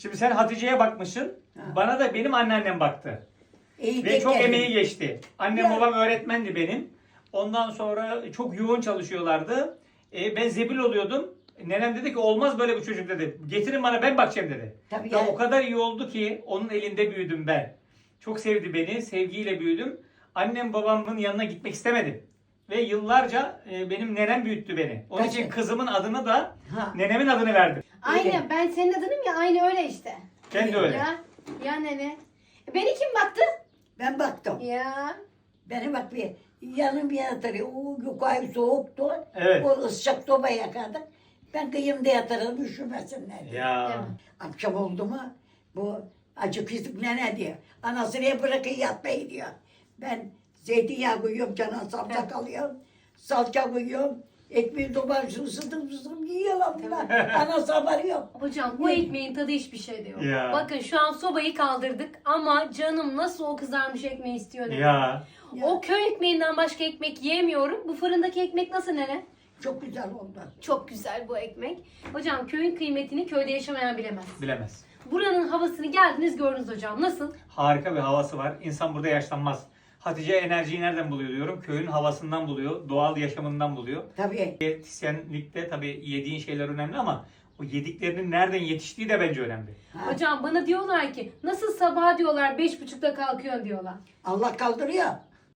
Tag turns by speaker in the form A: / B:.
A: Şimdi sen Hatice'ye bakmışsın.
B: Ha.
A: Bana da benim anneannem baktı.
B: İyi
A: Ve çok
B: teker.
A: emeği geçti. Annem
B: Ya.
A: babam öğretmendi benim. Ondan sonra çok yoğun çalışıyorlardı. Ben zebil oluyordum. Nenem dedi ki olmaz böyle bir çocuk dedi. Getirin bana, ben bakacağım dedi.
B: Tabii
A: Ya
B: ya.
A: o kadar iyi oldu ki onun elinde büyüdüm ben. Çok sevdi beni. Sevgiyle büyüdüm. Annem babamın yanına gitmek istemedim. Ve yıllarca benim nenem büyüttü beni. Onun
B: Kaç
A: için
B: yıl?
A: kızımın adını da
B: Ha.
A: nenemin adını verdim.
C: Aynen, ben senin adınım ya, aynı öyle işte.
A: Kendi öyle.
C: Ya nene. Beni kim baktı?
B: Ben baktım.
C: Ya.
B: Beni bak bir yanım bir yatarıyor. O yukarı soğuktu.
A: Evet.
B: O ısıcak soba yakardık. Ben kıyımda yatarım üşümesinler diye.
A: Ya.
C: Değil mi?
B: Akşam oldu mu bu acı kızık nene diyor. Anasını bırakın yatmayı diyor. Ben zeytinyağı koyuyorum, cana salça alıyorum. Salça koyuyorum. Ekmeği domates ısıtıp yiyorlar bunlar. Anası haberi yok.
C: Hocam bu ekmeğin tadı hiçbir şey de yok.
A: Ya.
C: Bakın şu an sobayı kaldırdık ama canım nasıl o kızarmış ekmeği istiyor nene.
A: Ya.
C: O köy ekmeğinden başka ekmek yiyemiyorum. Bu fırındaki ekmek nasıl nene?
B: Çok güzel oldu.
C: Çok güzel bu ekmek. Hocam köyün kıymetini köyde yaşamayan bilemez.
A: Bilemez.
C: Buranın havasını geldiniz gördünüz hocam. Nasıl?
A: Harika bir havası var. İnsan burada yaşlanmaz. Hatice enerjiyi nereden buluyor diyorum. Köyün havasından buluyor. Doğal yaşamından buluyor.
B: Tabii.
A: Diyetisyenlikte tabii yediğin şeyler önemli ama o yediklerinin nereden yetiştiği de bence önemli.
B: Ha.
C: Hocam bana diyorlar ki nasıl sabah diyorlar 5.30'da kalkıyorsun diyorlar.
B: Allah kaldırıyor.